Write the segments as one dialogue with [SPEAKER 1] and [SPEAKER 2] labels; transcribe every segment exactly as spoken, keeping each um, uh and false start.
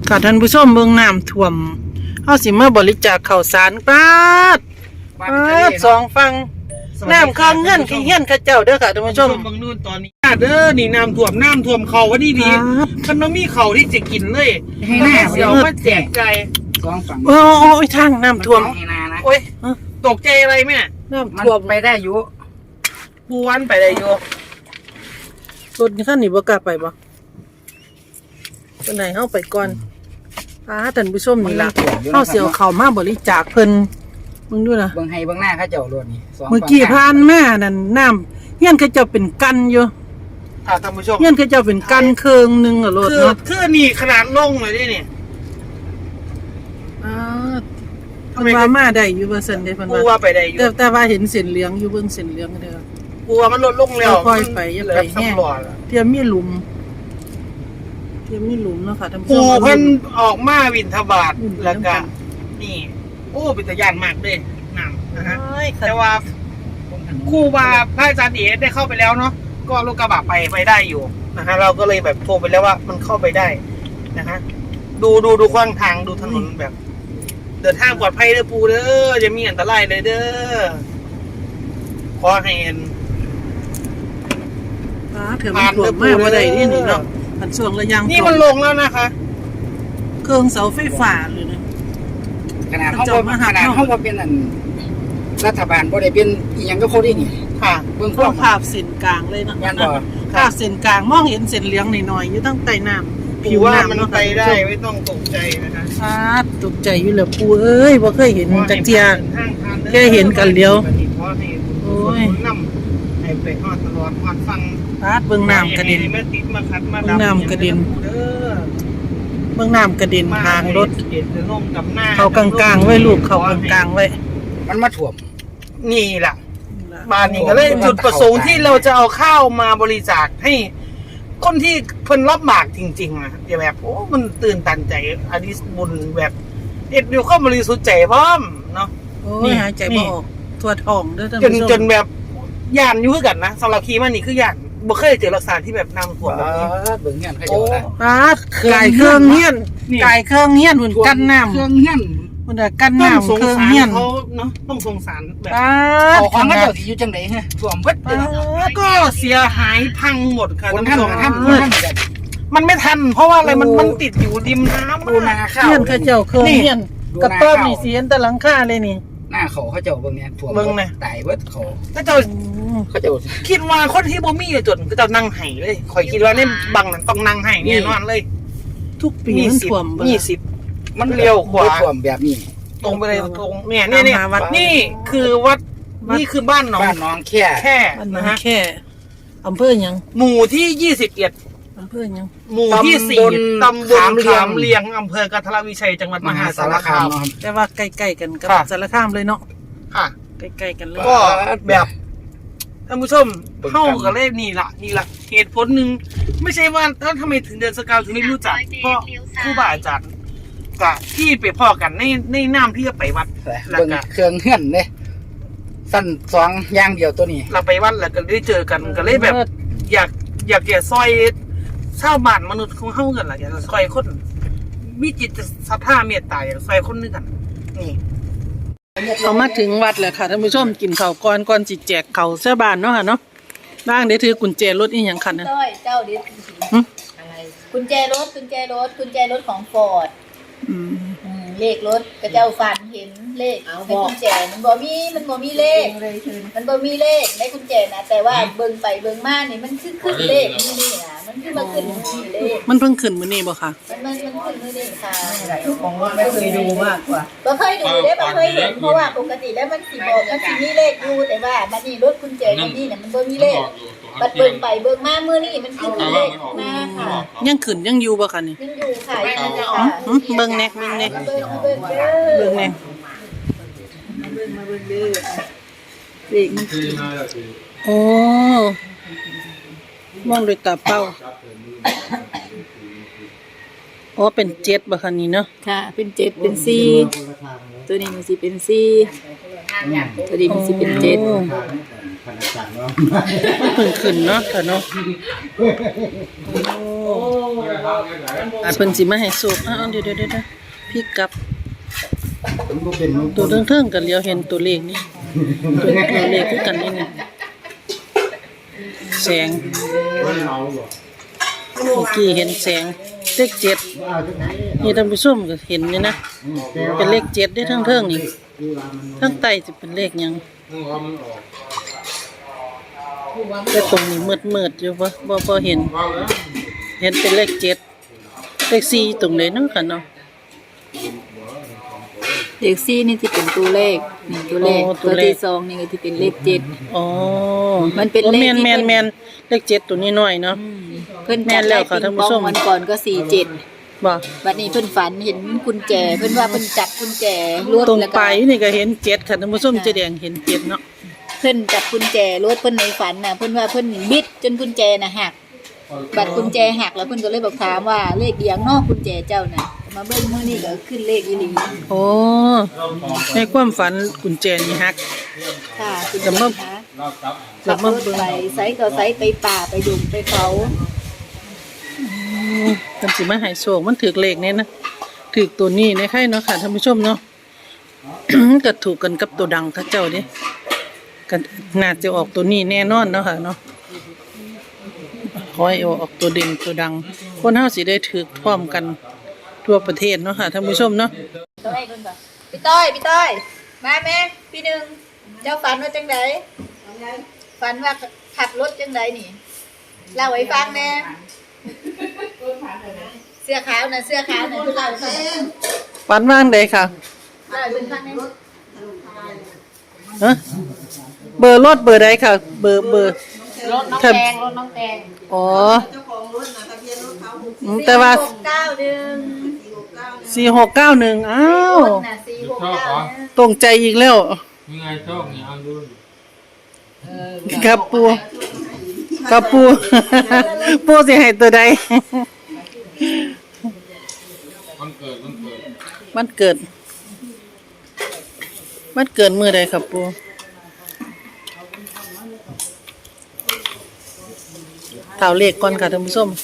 [SPEAKER 1] ค่ะท่านผู้ชมเมืองน้ำท่วมเฮาสิมาบริจาคข้าวสารปาดปาดสองฟังน้ำข้างเงื่อนขี้เฮี้ยนข้าเจ้าเด้อค่ะท่านผู้ชม
[SPEAKER 2] บางนู่นตอนนี้เด้อนี่น้ำท่วมน้ำท่วมเขาว่าดีดีมันต้องมีเขาที่จะกินเลยให้หน้าเดี๋ยวมาแจกใจ
[SPEAKER 3] สองฝั่ง
[SPEAKER 1] โอ้ยทางน้ำท่วม
[SPEAKER 2] โอ้ยตกใจอะไรแม่
[SPEAKER 1] น้ำท่วม
[SPEAKER 3] ไปได้อยู่
[SPEAKER 2] ปูวันไปได้อยู่
[SPEAKER 1] รถคันนี้บ่กล้าไปบ่ตัวไหนเฮาไปก่อนอ่าท่านผู้ชมนี่ล่ะเฮาสิเอาเข้ามาบริจาคเพิ่นมึงดูนะ
[SPEAKER 3] เบิ่งให้เบิ่งหน้าเขาเจ้ารถนี่
[SPEAKER 1] เมื่อกี้ผ่านมานั่นน้ำเฮียนเขาเจ้าเป็นกันอยู่
[SPEAKER 2] ค่ะท่านผู้ชม
[SPEAKER 1] เฮียนเขาเจ้าเป็นกันเครื่องนึงอ่ะรถ
[SPEAKER 2] เนาะคือนี่ขนาดลงเลยดิเนี่ย
[SPEAKER 1] อ่าเพิ่นว่ามาได้อยู่ว่าซั่นเด้เพิ่นว่า
[SPEAKER 2] ปูว่าไปได้อยู่
[SPEAKER 1] แต่ว่าเห็นเส้นเหลืองอยู่เบิ่งเส้นเหลืองเด้อ
[SPEAKER 2] ปูว่ามันลดลงแล้ว
[SPEAKER 1] ค่อยไปอย่าไปแห้งเทียมมีหลุมเทียมมีหลุมเนาะค่ะท่านผู้ชม
[SPEAKER 2] ปูเพิ่นออกมาวินทบาทแล้วก็นี่โอ้เป็นตะยานมากเลยน้ำนะฮะแต่ว่าครูบาพระอาจารย์เอ๋ได้เข้าไปแล้วเนาะก็รถกระบะไปไปได้อยู่นะฮะเราก็เลยแบบโทรไปแล้วว่ามันเข้าไปได้นะฮะดูดูดูขว้างทางดูถนนแบบเดินทางปลอดภัยเด้อปูเด้อจะมีอันตรายเลยเด้อขอให้เห็น
[SPEAKER 1] อ่าเถื่อมันท่วมมากบ่ได้นี่นี่เนาะมันช่วงระยะ
[SPEAKER 2] นี่มันลงแล้วนะคะ
[SPEAKER 1] เครื่องเสาไฟฟ้าเลยนะ
[SPEAKER 3] ขนาดเฮาบ่ขนาดเฮาบ่เป็นอันรัฐบาลบ่ได้เป็นอีหยังก็เขาได้นี่
[SPEAKER 1] ค่ะเบื้องต้นภาพเส้นกลางเลยนะ
[SPEAKER 3] ยันบ่
[SPEAKER 1] ภาพเส้นกลางมองเห็นเส้นเหลืองหน่อยๆอยู่ตั้งใต้น้ำ
[SPEAKER 2] ผิวว่ามันไปได้ไม่ต้องตกใจนะคะ
[SPEAKER 1] อ่าตกใจอยู่แล้วปูเอ้ยบ่เคยเห็นจักเที่ยแค่เห็นกันเดียวโอ้ย
[SPEAKER 2] นำให้ไปฮอดตลอดฮอดฟัง
[SPEAKER 1] ปาดเบื้องน้ำกระเด็น
[SPEAKER 2] แม่ติดมาคัดมา
[SPEAKER 1] เบื้องน้ำกระเด็นเบื้องน้ำกระเด็นทางรถเขากลางๆไว้ลูกเขากลางๆไว้
[SPEAKER 3] มันมาถ่วม
[SPEAKER 2] นี่แหละบ้านนี้ก็เลยจุดประสงค์ที่เราจะเอาข้าวมาบริจาคให้คนที่เพิ่นรับบากจริงๆนะอย่าแบบโอ้มันตื่นตันใจอดิสบุญแบบเอ็ดดูข้าวบริสุทธิ์ใจพร้อมเนาะ
[SPEAKER 1] นี่หายใจบ่ออกทั่วท้องเด้อท่าน
[SPEAKER 2] จน
[SPEAKER 1] ผู้ชม
[SPEAKER 2] จนแบบย่านอยู่คือกันนะสำหรับคีมันนี่คือย่านบ่เคยเจอลักษณะที่แบบน้ำท่วมแบบนี้
[SPEAKER 3] เบิ่งเงี้ยเขาเจ้านะ
[SPEAKER 1] อ่าไก่เครื่องเฮี้ยนไก่เครื่องเฮี้ยนเหมือนกันน้ำ
[SPEAKER 3] เครื่องเงี้ยน
[SPEAKER 1] มันน่ะกันน้ำเครื่องเฮี้ยน
[SPEAKER 2] เขาเนาะต้องสงสารแบบ
[SPEAKER 3] เขาของเขาเจ้าสิอยู่จังได๋ฮะท่วมเบิด
[SPEAKER 2] ก็เสียหายพังหมดค่ะ
[SPEAKER 3] ท่านท่านท่าน
[SPEAKER 2] มันไม่ทันเพราะว่าอะไรมันมันติดอยู่ริมน้ำ
[SPEAKER 3] ปูนาข้าว
[SPEAKER 1] เฮี้ยนเขาเจ้าเครื่องเฮี้ยนกระต้มนี่เสียนแต่หลังคาเลยนี่
[SPEAKER 3] หน้าเขาเขาเจ้าเบิ่งเนี่ยท่วม
[SPEAKER 2] เบิ่งนะ
[SPEAKER 3] ตายเบิดเขา
[SPEAKER 2] เขาเจ้า
[SPEAKER 3] เขาเจ้า
[SPEAKER 2] คิดว่าคนที่บ่มีจนก็จะนั่งไห้เลยข่อยคิดว่าในบังนั้นต้องนั่งไห้แน่นอนเลย
[SPEAKER 1] ทุกปีมันท่วม
[SPEAKER 2] ยี่สิบมันเลี้ยวขวา
[SPEAKER 3] ท่วมแบบนี้
[SPEAKER 2] ตรงไปเลยตรงเนี่ยเนี่ยเนี่ยนี่คือวัดนี่คือบ้านน้อง
[SPEAKER 3] บ้านน้องแค่
[SPEAKER 2] แค่
[SPEAKER 1] นะฮะแค่อำเภอยัง
[SPEAKER 2] หมู่ที่ยี่สิบเอ็ด
[SPEAKER 1] อำเภอยัง
[SPEAKER 2] หมู่ที่สี่ตำบลขามเลียงอำเภอกันทรวิชัยจังหวัดมหาสารคาม
[SPEAKER 1] แต่ว่าใกล้ๆกันกับสารคามเลยเนาะ
[SPEAKER 2] ค่ะ
[SPEAKER 1] ใกล้ๆกันเลย
[SPEAKER 2] ก็แบบท่านผู้ชมเข้ากับเลขนี่ละนี่ละเหตุผลหนึ่งไม่ใช่ว่าถ้าทำไมถึงเดินสกาวถึงไม่รู้จักเพราะครูบาอาจารย์กับที่ไปพ่อกันในในน้ำที่จะไปวัด
[SPEAKER 3] แล้วก็เครื่องเฮือนเนี่ยสั้นสองอย่างเดียวตัวนี้
[SPEAKER 2] เราไปวัดแล้วก็ได้เจอกันก็เลยแบบอยากอยากแก่ซอยชาวบ้านมนุษย์ของเฮากันล่ะอยากซอยคนมีจิตศรัทธาเมตตาอยากซอยคนนึงกันนี่
[SPEAKER 1] เขามาถึงวัดแล้วค่ะท่านผู้ชมกินข้าวก่อนก่อนจิแจกข้าวชาวบ้านเนาะค่ะเนาะบ้างเดี๋ยวถือกุญแจรถอีหยังคันนะ
[SPEAKER 4] เจ้าเดี๋ยวอะไรกุญแจรถกุญแจรถกุญแจรถของฟอร์ดเลขรถกระเจ้าฟันเห็นเลขในกุญแจมันบ่มีมันบ่มีเลขมันบ่มีเลขในกุญแจนะแต่ว่าเบิ่งไปเบิ่งมานี่มันขึ้นขึ้นเลขนี่นี่นะมันขึ้นมาขึ้นเลข
[SPEAKER 1] มันเพิ่งขึ้นมื้อนี้บ่คะ
[SPEAKER 4] มันมันมันขึ้นมื้อนี้ค่ะ
[SPEAKER 3] ของรถไม่เคยดูมากกว่า
[SPEAKER 4] บ่เคยดูเด้บ่เคยเห็นเพราะว่าปกติแล้วมันสิบอกมันสิมีเลขอยู่แต่ว่าบัดนี้รถกุญแจนี่น่ะมันบ่มีเลขบัดเบิ่งไปเบิ่งมามื้อนี้มันขึ้นเลขมาค่ะ
[SPEAKER 1] ยังขึ้นยังอยู่บ่คะนี่
[SPEAKER 4] ยังอยู่ค่ะยังอยู่ค่ะ
[SPEAKER 1] เบิ่งแน่เบิ่งแน่
[SPEAKER 4] เบิ่งเบิ่ง
[SPEAKER 1] เบิ่งแน่
[SPEAKER 4] มาเบิ่งมาเบิ่งเด้อเลขมัน
[SPEAKER 1] โอ้มองด้วยตาเปล่าอ๋อเป็นเจ็ดบ่คะนี่เนาะ
[SPEAKER 4] ค่ะเป็นเจ็ดเป็นสี่ตัวนี้มันสิเป็นสี่ตัวนี้มันสิเป็นเจ็ด
[SPEAKER 1] เพิ่งขึ้นเนาะค่ะเนาะอาจเพิ่นสิมาให้สูบอ้าวเดี๋ยวเดี๋ยวเดี๋ยวพี่กลับ
[SPEAKER 3] มันบ่เป็น
[SPEAKER 1] ตัวเทิงๆกันเลียวเห็นตัวเลขนี่ตัวตัวเลขคือกันนี่นี่แสงเมื่อกี้เห็นแสงเลขเจ็ดนี่ท่านผู้ชมก็เห็นนี่นะเป็นเลขเจ็ดได้ทั้งเทิงนี่ทั้งใต้จะเป็นเลขหยังแต่ตรงนี้มืดๆอยู่บ่บ่บ่เห็น เห็นเป็นเลขเจ็ดเลขสี่ตรงไหนเนาะค่ะเนาะ
[SPEAKER 4] เลขสี่นี่ที่เป็นตัวเลขนี่ตัวเลขตัวที่สองนี่ก็ที่เป็นเลขเจ็ด
[SPEAKER 1] อ๋อ
[SPEAKER 4] มันเป็นเลขที่
[SPEAKER 1] แม่น
[SPEAKER 4] เป็น
[SPEAKER 1] แม่นเลขเจ็ดตัวนี้น้อยเนาะ
[SPEAKER 4] เพิ่น
[SPEAKER 1] แม่
[SPEAKER 4] จัด
[SPEAKER 1] นแล้
[SPEAKER 4] ได้
[SPEAKER 1] วค่ะ
[SPEAKER 4] ปิ
[SPEAKER 1] ท่าน
[SPEAKER 4] ง
[SPEAKER 1] ผู้
[SPEAKER 4] ปอง
[SPEAKER 1] ชม
[SPEAKER 4] วันก่อนก็สี่เจ็ด
[SPEAKER 1] บ่
[SPEAKER 4] บัดนี้เพิ่นฝันเห็นกุญแจเพิ่นว่าเพิ่นจับกุญแจรถ
[SPEAKER 1] ตรง
[SPEAKER 4] แล้ว
[SPEAKER 1] ป
[SPEAKER 4] ก็
[SPEAKER 1] ลายนี่ก็เห็นเจ็ดค่ะท่านผู้ชมเจะแดงเห็นเจ็ดเนาะ
[SPEAKER 4] เพิ่นจับกุญแจรถเพิ่นในฝันน่ะเพิ่นว่าเพิ่นบิดจนกุญแจน่ะหักบัดกุญแจหักแล้วเพิ่นก็เลยบอกถามว่าเลขเอียงเนาะกุญแจเจ้าน่ะมาเบิ่งมื้อนี้ก็ขึ้นเลขอีหลี
[SPEAKER 1] โอ้ในความฝันกุญแจนี่ฮัก
[SPEAKER 4] ค่ะคุณ
[SPEAKER 1] จะมา
[SPEAKER 4] คะ
[SPEAKER 1] จะ
[SPEAKER 4] ขับ
[SPEAKER 1] มาร
[SPEAKER 4] ถ
[SPEAKER 1] เบิ่ง
[SPEAKER 4] ไปไสก็ไสไปป่าไปดุงไปเขา
[SPEAKER 1] เพิ่นสิมาให้โชคมันถูกเลขเนี่ยนะถูกตัวนี้ในไข่เนาะค่ะท่านผู้ชมเนาะ ก็ถูกกันกับตัวดังเขาเจ้าเด้ก็น่าจะออกตัวนี้แน่นอนเนาะค่ะเนาะขอให้ออกตัวเด่นตัวดัง คนเฮาสิได้ถือพร้อมกันทั่วประเทศเนาะค่ะท่านผู้ชมเนาะ
[SPEAKER 4] ต้อยคนก่อนพี่ต้อยพี่ต้อยมาแม่พี่หนึ่งเจ้าฝันว่าจังไดฝันว่าขับรถจังไดนี่เล่าให้ฟังแน่เสื้อขาวน่ะเสื้อขาวน่ะเล่าให้ฟัง
[SPEAKER 1] ฝันว่างใดค่ะ
[SPEAKER 4] เล่าให้ฟังแน่
[SPEAKER 1] ฮะเบอร์รถเบอร์ใดค่ะ เบอร์เบอร์
[SPEAKER 4] รถน้องแตงรถน้องแตง
[SPEAKER 1] อ๋ออืมแต่ว่า
[SPEAKER 4] หกเก้าหนึ่ง
[SPEAKER 1] สี่หกเก้าหนึ่งอ้าว
[SPEAKER 4] รถน่ะสี่หกเก้าหนึ่ง
[SPEAKER 1] ตรงใจอีกแล้ว
[SPEAKER 5] ยังไงโชคเนี่ยเอาดู
[SPEAKER 1] ครับปูครับปู ปูสิให้ตัวใด
[SPEAKER 5] วันเกิดวันเกิด
[SPEAKER 1] มันเกิด มันเกิดมื้อใดครับปูเท่าเลขก่อนค่ะท่านผู้ชม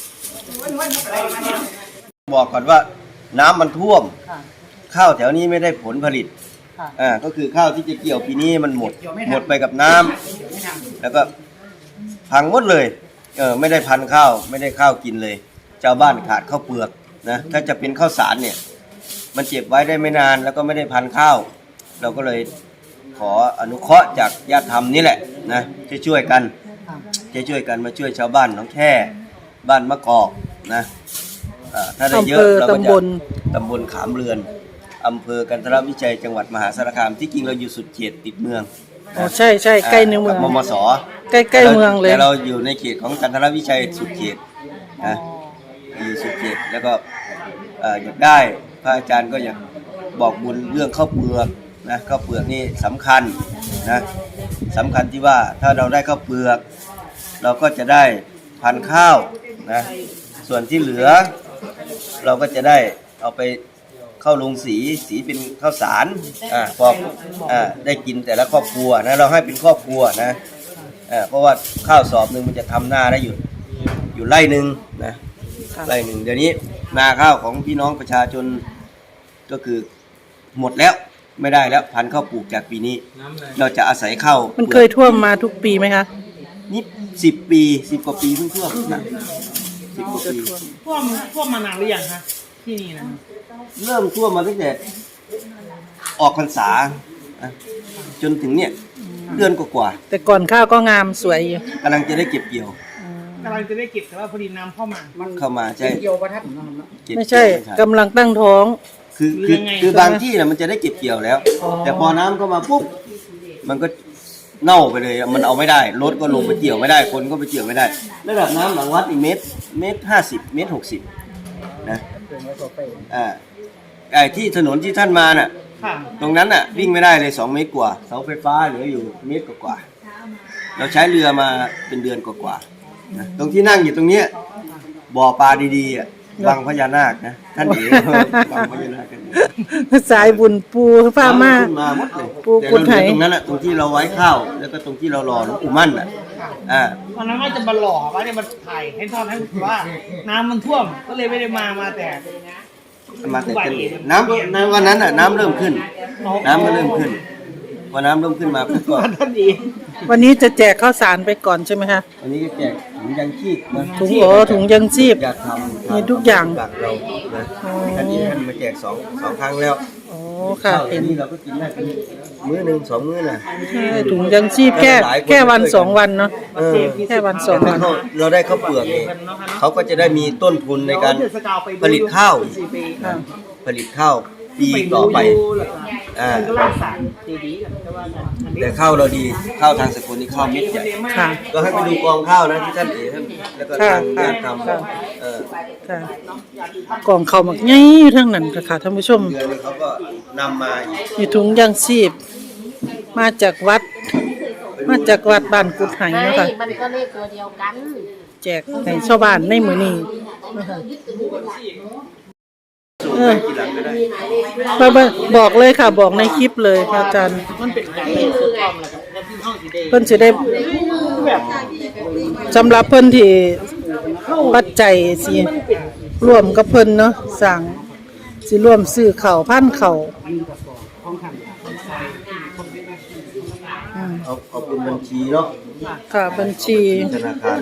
[SPEAKER 6] บอกก่อนว่าน้ำมันท่วม ข้าวแถวนี้ไม่ได้ผลผลิตอ่าก็คือข้าวที่จะเกี่ยวปีนี้มันหมดหมดไปกับน้ำแล้วก็พังหมดเลยเออไม่ได้พันข้าวไม่ได้ข้าวกินเลยชาวบ้านขาดข้าวเปลือกนะถ้าจะเป็นข้าวสารเนี่ยมันเจ็บไว้ได้ไม่นานแล้วก็ไม่ได้พันข้าวเราก็เลยขออนุเคราะห์จากญาติธรรมนี่แหละนะช่วยช่วยกันช่วยๆกันมาช่วยชาวบ้านหนองแค่บ้านมะกอกนะอ่าถ้าได้เยอะเราก็จะ
[SPEAKER 1] อำเภอตำบล
[SPEAKER 6] ตำบลขามเรือนอำเภอกันทรวิชัยจังหวัดมหาสารคามที่จริงเราอยู่สุดเขตติดเมือง
[SPEAKER 1] อ๋อใช่ใช่ใกล้ในเมือง
[SPEAKER 6] กับมมส
[SPEAKER 1] ใกล้ใกล้เมืองเลย
[SPEAKER 6] แต่เราอยู่ในเขตของกันทรวิชัยสุดเขตนะอยู่สุดเขตแล้วก็เอ่ออยากได้พระอาจารย์ก็อยากบอกบุญเรื่องข้าวเปลือกนะข้าวเปลือกนี่สำคัญนะสำคัญที่ว่าถ้าเราได้ข้าวเปลือก เราก็จะได้พันธุ์ข้าวนะส่วนที่เหลือ เราก็จะได้เอาไปเข้าลงสีสีเป็นข้าวสารอ่าพออ่าได้กินแต่ละครอบครัวนะเราให้เป็นครอบครัวนะอ่าเพราะว่าข้าวสอบหนึ่งมันจะทำหน้าได้อยู่อยู่ไร่หนึ่งนะไร่หนึ่งเดี๋ยวนี้นาข้าวของพี่น้องประชาชนก็คือหมดแล้วไม่ได้แล้วพันธุ์ข้าวปลูกจากปีนี้
[SPEAKER 5] น้ำอะไร
[SPEAKER 6] เราจะอาศัยข้าว
[SPEAKER 1] มันเคยท่วมมาทุกปีไหมคะ
[SPEAKER 6] นี่สิบปีสิบกว่าปีเพิ่งท่วมนะสิบกว่าปี
[SPEAKER 2] ท่วมท่วมมานานหรือยังคะที่นี่นะ
[SPEAKER 6] เริ่มท่วมมาตั้งแต่ออกพรรษาอ่ะจนถึงเนี่ยเดือนกว่า
[SPEAKER 1] แต่ก่อนข้าวก็งามสวยอยู่
[SPEAKER 6] ๆกำลังจะได้เก็บเกี่ยว
[SPEAKER 2] กำลังจะได้เก็บแต่ว่าพอดีน้ำเข้ามา
[SPEAKER 6] เข้ามาใช่
[SPEAKER 3] เกี่ยวประทัดเนาะเนาะ
[SPEAKER 6] เก็บ
[SPEAKER 1] ไม่ใช่
[SPEAKER 6] เกี่ยว
[SPEAKER 1] กำลังตั้งท้อง
[SPEAKER 6] คือ
[SPEAKER 2] หรือ
[SPEAKER 6] คือ
[SPEAKER 2] ยังไง
[SPEAKER 6] คือบางที่นะมันจะได้เก็บเกี่ยวแล้ว แต่พอน้ำเข้ามาปุ๊บมันก็เน่าไปเลยอะมันเอาไม่ได้รถก็ลงไปเกี่ยวไม่ได้คนก็ไปเกี่ยวไม่ได้ระดับน้ำหลังวัดอีกเมตรเมตรห้าสิบเมตรหกสิบนะอ่าไอ้ที่ถนนที่ท่านมาน่ะ
[SPEAKER 2] ค่ะ
[SPEAKER 6] ตรงนั้นน่ะวิ่งไม่ได้เลยสองเมตรกว่าเสาไฟฟ้าเหลืออยู่เมตรกว่าๆเราใช้เรือมาเป็นเดือนกว่าๆนะตรงที่นั่งอยู่ตรงเนี้ยบ่อปลาดีๆอ่ะวังพญานาคนะท่านเอ๋วังพญานาคกัน
[SPEAKER 1] สายบุญปูฟ้ามา
[SPEAKER 6] ขึ้นมาหมดเลย
[SPEAKER 1] ปู
[SPEAKER 6] แต่
[SPEAKER 1] กุ
[SPEAKER 6] เรา
[SPEAKER 1] ด
[SPEAKER 6] เห
[SPEAKER 1] ไห
[SPEAKER 6] ลือตรงนั้นแหละตรงที่เราไว้ข้าวแล้วก็ตรงที่เรารอหลวงปู่มั่นอ่ะอ่า
[SPEAKER 2] วันนั้นว่าจะมาหล่อว่าเนี่ยมันถ่ายให้ทอดให้ว่า น้ำมันท่วมก็เลยไม่ได้มามาแต่
[SPEAKER 6] มาแต่กันน้ำในวันนั้นอ่ะน้ำเริ่มขึ้น น้ำก็เริ่มขึ้นพอน้ำเริ่มขึ้นมาปุ๊บก็
[SPEAKER 2] ท่านดี
[SPEAKER 1] วันนี้จะแจกข้าวสารไปก่อนใช่ไหมคะ
[SPEAKER 6] วันนี้ก็แจกถุงยังชีพนะ
[SPEAKER 1] ถุงโอถุงยังชีพ
[SPEAKER 6] อยากทำ
[SPEAKER 1] มีทุกอย่าง
[SPEAKER 6] หลักเรานะท่านนี้ท่านมาแจกสองสองครั้งแล้ว
[SPEAKER 1] โอ้ค่ะ
[SPEAKER 6] ข้าว
[SPEAKER 1] เห็น
[SPEAKER 6] นี้เราก็กินได้เป็นมื้อหนึ่งสองมื้อน่ะ
[SPEAKER 1] ใช่ถุงยังชีพแค่แค่วันสองวันเนาะ
[SPEAKER 6] เออ
[SPEAKER 1] แค่วันสอง
[SPEAKER 6] ถ้า
[SPEAKER 1] วัน
[SPEAKER 6] เขาเราได้ข้าวเปลือกนี่เขาก็จะได้มีต้นทุนในการผลิตข้าวอีก
[SPEAKER 1] ค่ะ
[SPEAKER 6] ผลิตข้าวปีต่อไปอ่า
[SPEAKER 2] ก็รักษาดีๆกันแต่ว่าอันนี้
[SPEAKER 6] แต่ข้าวเราดีข้าวทางสกุลนี่ข้าวเม็ดใหญ่
[SPEAKER 1] ค่ะ
[SPEAKER 6] ก็ให้ไปดูกองข้าวนะที่ท่านเอ๋ท่านแล้วก็
[SPEAKER 1] ค่ะ
[SPEAKER 6] ทางญาติท
[SPEAKER 1] ค่ะ
[SPEAKER 6] ำเออ
[SPEAKER 1] ค่ะกล่องเขาวหมักใหญ่อยู่ทั้งนั้นค่ะค่ะท่านผู้ชม
[SPEAKER 6] เดือนนี้เขาก็นำมาอีก
[SPEAKER 1] มีถุงยังชีพ มาจากวัด มาจากวัดบ้านกุดไหเนาะค่ะ
[SPEAKER 7] มันก็เลขตัวเดียวกัน
[SPEAKER 1] แจกให้ชาวบ้านในมื้อนี้นะคะเออไปไปบอกเลยค่ะ บอกในคลิปเลยค่ะอาจารย์
[SPEAKER 2] มันเป็นการเล่นสุดยอดเลยครับแล้วที่ห้องสีแดง
[SPEAKER 1] เพิ่นสิได้
[SPEAKER 2] แบบ
[SPEAKER 1] สำหรับเพิ่นที่ปัจจัยสิร่วมกับเพิ่นเนาะสั่งสิร่วมซื้อข้าวพันข้าวอืม
[SPEAKER 6] เอาเอาเป็นบัญชีเนาะ
[SPEAKER 1] ค่ะบัญชี
[SPEAKER 6] ธนาคาร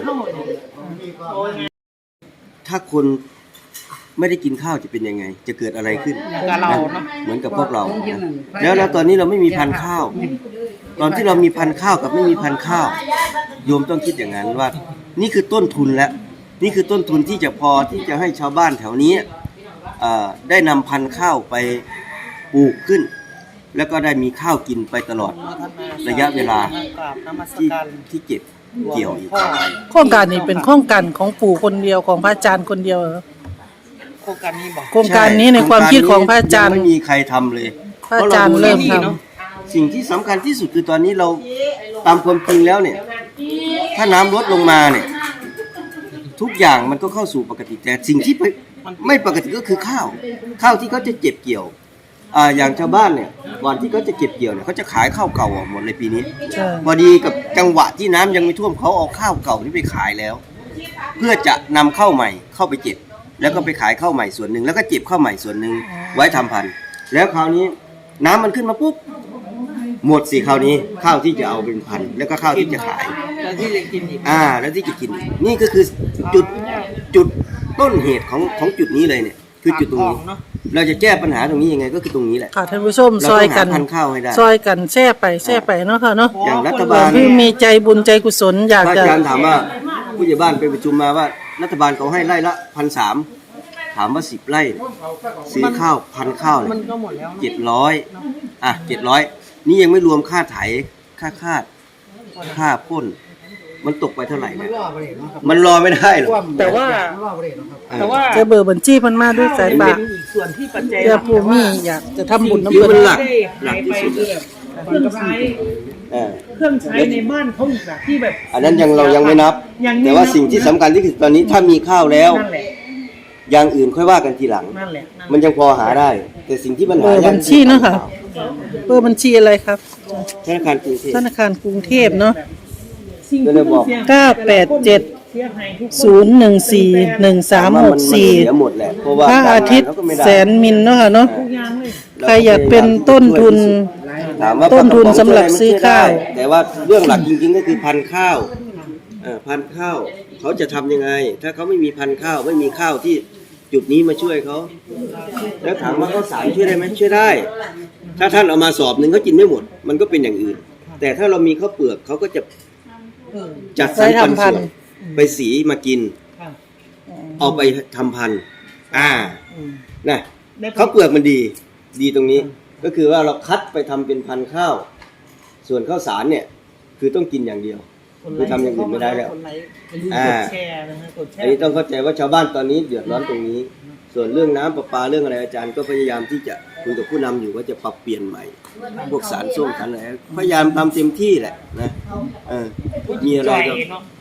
[SPEAKER 6] ถ้าคนไม่ได้กินข้าวจะเป็นยังไง จะเกิดอะไรขึ้น
[SPEAKER 2] กับเราเนาะ
[SPEAKER 6] เหมือนกับพวกเรา แล้วแล้วตอนนี้เราไม่มีพันธุ์ข้าว ตอนที่เรามีพันธุ์ข้าวกับไม่มีพันธุ์ข้าว โยมต้องคิดอย่างนั้นว่า นี่คือต้นทุนแล้วนี่คือต้นทุนที่จะพอที่จะให้ชาวบ้านแถวนี้เอ่อได้นำพันธุ์ข้าวไปปลูกขึ้น แล้วก็ได้มีข้าวกินไปตลอดระยะเวลา
[SPEAKER 2] กราบนมัส
[SPEAKER 6] ที่
[SPEAKER 2] การ
[SPEAKER 6] ที่เก็บเกี่ยวอีก
[SPEAKER 1] โครงการนี้เป็นโครงการของปู่คนเดียวของพระอาจารย์คนเดียวเหรอ
[SPEAKER 2] โครงการนี้บอก
[SPEAKER 1] โครงการนี้ในความคิดของพระอาจารย์
[SPEAKER 6] งไม่มีใครทำเลย
[SPEAKER 1] พระอาจารย์เริ่มทำ
[SPEAKER 6] สิ่งที่สำคัญที่สุดคือตอนนี้เราตามความจริงแล้วเนี่ย ถ้าน้ำลดลงมาเนี่ย ทุกอย่างมันก็เข้าสู่ปกติแต่สิ่งที่ไม่ปกติก็คือข้าว ข้าวที่เขาจะเก็บเกี่ยวอ่าอย่างชาวบ้านเนี่ยก่อนที่เขาจะเก็บเกี่ยวเนี่ยเขาจะขายข้าวเก่าออกหมดในปีนี้
[SPEAKER 1] ใช่
[SPEAKER 6] พอดีกับจังหวะที่น้ำยังไม่ท่วมเขาเอาข้าวเก่านี้ไปขายแล้ว เพื่อจะนำข้าวใหม่เข้าไปเก็บ แล้วก็ไปขายข้าวใหม่ส่วนหนึ่งแล้วก็เก็บข้าวใหม่ส่วนหนึ่งไว้ทำพันธุ์แล้วคราวนี้น้ำมันขึ้นมาปุ๊บหมดสิคราวนี้ข้าวที่จะเอาเป็นพันธุ์แล้วก็ข้าวที่จะขาย
[SPEAKER 2] แล้วที่จะกินอีก
[SPEAKER 6] อ่าแล้วที่จะกินอีกนี่ก็คือจุดจุดต้นเหตุของของจุดนี้เลยเนี่ย คือจุดตรงนี้
[SPEAKER 2] เนาะ
[SPEAKER 6] เราจะแก้ปัญหาตรงนี้ยังไงก็คือตรงนี้แหละ
[SPEAKER 1] ค่ะท่านผู้ชม
[SPEAKER 6] เรา
[SPEAKER 1] ซ
[SPEAKER 6] ต้
[SPEAKER 1] อ
[SPEAKER 6] อย ง
[SPEAKER 1] กั
[SPEAKER 6] หาน พันธุ์ข้าวให้ได้
[SPEAKER 1] ซอยกันแช่ไปแช่ไปเนาะค่ะเนาะ
[SPEAKER 6] อย่างรัฐ
[SPEAKER 1] บา
[SPEAKER 6] บาล
[SPEAKER 1] ที่มีใจบุญใจกุศลอยาก
[SPEAKER 6] พระ
[SPEAKER 1] จะ
[SPEAKER 6] อาจารย์ถามว่าผู้ใหญ่บ้านไปประชุมมาว่า รัฐบาลเขาให้ไร่ละพันสามถามว่าสิบไร่ซื้อข้าวพันข้าว
[SPEAKER 2] มันก็หมดแล้วเนอะ
[SPEAKER 6] เจ็ดร้อยอ่ะเจ็ดร้อยนี่ยังไม่รวมค่าไถค่าคาดค่าพ่นมันตกไปเท่าไหร่เนี่ยมันรอไม่ได้หรอก
[SPEAKER 2] แต่ว่า แต่ว่า
[SPEAKER 1] จะเบอร์บัญชีเพิ่นมาด้วยสาย
[SPEAKER 2] เป็
[SPEAKER 1] ปาก
[SPEAKER 2] นอีกส่วนที่ปัจจัย
[SPEAKER 1] เพื่อผู้มีอยากจะทำบุญน้ำ
[SPEAKER 6] คือ
[SPEAKER 1] เพิ่น
[SPEAKER 6] มันหลัก
[SPEAKER 2] ได้
[SPEAKER 6] หลั
[SPEAKER 2] หาก ย
[SPEAKER 6] ที่
[SPEAKER 2] ไป
[SPEAKER 6] สุด
[SPEAKER 2] คือแบบเครื่องใช้
[SPEAKER 6] เออ
[SPEAKER 2] เครื่องใช้ในบ้านเขาอีกอะที่แบบ
[SPEAKER 6] อันนั้นยังเรายังไม่นับ
[SPEAKER 2] ยังไม่
[SPEAKER 6] แต่ว่า
[SPEAKER 2] นับ
[SPEAKER 6] สิ่งที่สำคัญที่สุดตอนนี้ถ้ามีข้าวแล้ว
[SPEAKER 2] นั่นแหละ
[SPEAKER 6] อย่างอื่นค่อยว่ากันทีหลัง
[SPEAKER 2] นั่นแหละนั่นแหละ
[SPEAKER 6] มันยังพอหาได้ แต่สิ่งที่มัน
[SPEAKER 1] เบ
[SPEAKER 6] หา
[SPEAKER 1] อร์
[SPEAKER 6] ยาก
[SPEAKER 1] บัญชีเนาะค่ะเบอร์บัญชีอะไรครับ
[SPEAKER 6] ธนาคารกรุงเทพ
[SPEAKER 1] ธนาคารกรุงเทพเนาะ
[SPEAKER 2] สิ่ง
[SPEAKER 6] ก็
[SPEAKER 2] ที่
[SPEAKER 6] เลยบอก
[SPEAKER 2] สี่ยง
[SPEAKER 1] เก้าแปดเจ็ด
[SPEAKER 2] เสียหายทุกคน
[SPEAKER 1] ศูนย์หนึ่งสี่หนึ่งสามหกสี่
[SPEAKER 6] เสียหมดแหละเพราะว่า
[SPEAKER 1] พระอาทิตย์
[SPEAKER 6] เขาก็ไม่ได้
[SPEAKER 1] แสนมินเนาะค่ะเนาะ
[SPEAKER 2] ทุกอย่างเลย
[SPEAKER 1] ใครอยากเป็นต้นทุน
[SPEAKER 6] ถามว่า
[SPEAKER 1] ต้นทุนสำหรับซื้อข้าว
[SPEAKER 6] แต่ว่าเรื่องหลักจริงๆก็คือพันธุ์ข้าวเอ่อพันธุ์ข้าวเขาจะทำยังไง ถ้าเขาไม่มีพันธุ์ข้าวไม่มีข้าวที่จุดนี้มาช่วยเขาแล้วถามว่าข้าวสารช่วยได้ไหมช่วยได้ ถ้าท่านเอามาสอบหนึ่งเขากินไม่หมด มันก็เป็นอย่างอื่น แต่ถ้าเรามีข้าวเปลือกเขาก็จะ
[SPEAKER 2] เออ
[SPEAKER 6] จัดสรรปัน
[SPEAKER 1] ไว้ทำพัน
[SPEAKER 6] ส่ว
[SPEAKER 1] ธุ์
[SPEAKER 6] นไปสีมากิน
[SPEAKER 2] ค่ะ
[SPEAKER 6] เอาไปทำพันธุ์อ่า
[SPEAKER 2] อืม
[SPEAKER 6] นะ
[SPEAKER 2] ได้ผล
[SPEAKER 6] ข้าวเปลือกมันดี ดีตรงนี้ ก็คือว่าเราคัดไปทำเป็นพันธุ์ข้าว ส่วนข้าวสารเนี่ย คือต้องกินอย่างเดียว คือทำอย่างอื่นไม่ได้แล้ว
[SPEAKER 2] คนไลค์อย่าลืม
[SPEAKER 6] อ่า
[SPEAKER 2] กดแชร์นะฮะกดแช
[SPEAKER 6] อัน
[SPEAKER 2] ร์
[SPEAKER 6] นี้ต้องเข้าใจว่าชาวบ้านตอนนี้เดือดร้อนตรงนี้ ส่วนเรื่องน้ำประปาเรื่องอะไรอาจารย์ก็พยายามที่จะคุยกับผู้นำอยู่ว่าจะปรับเปลี่ยนใหม่ พวกสารส้มสารอะไรพยายามทำเต็มที่แหละนะเออมีอะไร
[SPEAKER 2] จ่อย
[SPEAKER 6] ก็
[SPEAKER 2] เนาะ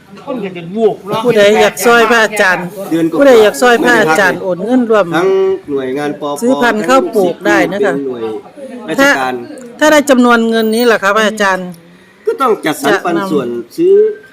[SPEAKER 2] คนก็จะบวกเนาะ
[SPEAKER 1] ผู้ใดอยากซอยพระอาจารย์
[SPEAKER 6] เดือนกว่า
[SPEAKER 1] ผู้ใดอยากซอยพระอาจารย์โอนเงินรวม
[SPEAKER 6] ทั้งหน่วยงานปป
[SPEAKER 1] ซื้อพันธุ์ข้าวปลูกได้นะคะ
[SPEAKER 6] เป็นหน่วยราช
[SPEAKER 1] ถ้า
[SPEAKER 6] การ
[SPEAKER 1] ถ้าได้จำนวนเงินนี้ล่ะครับพระอาจารย์
[SPEAKER 6] ก็ต้องจัดสรรปันส่วนซื้อน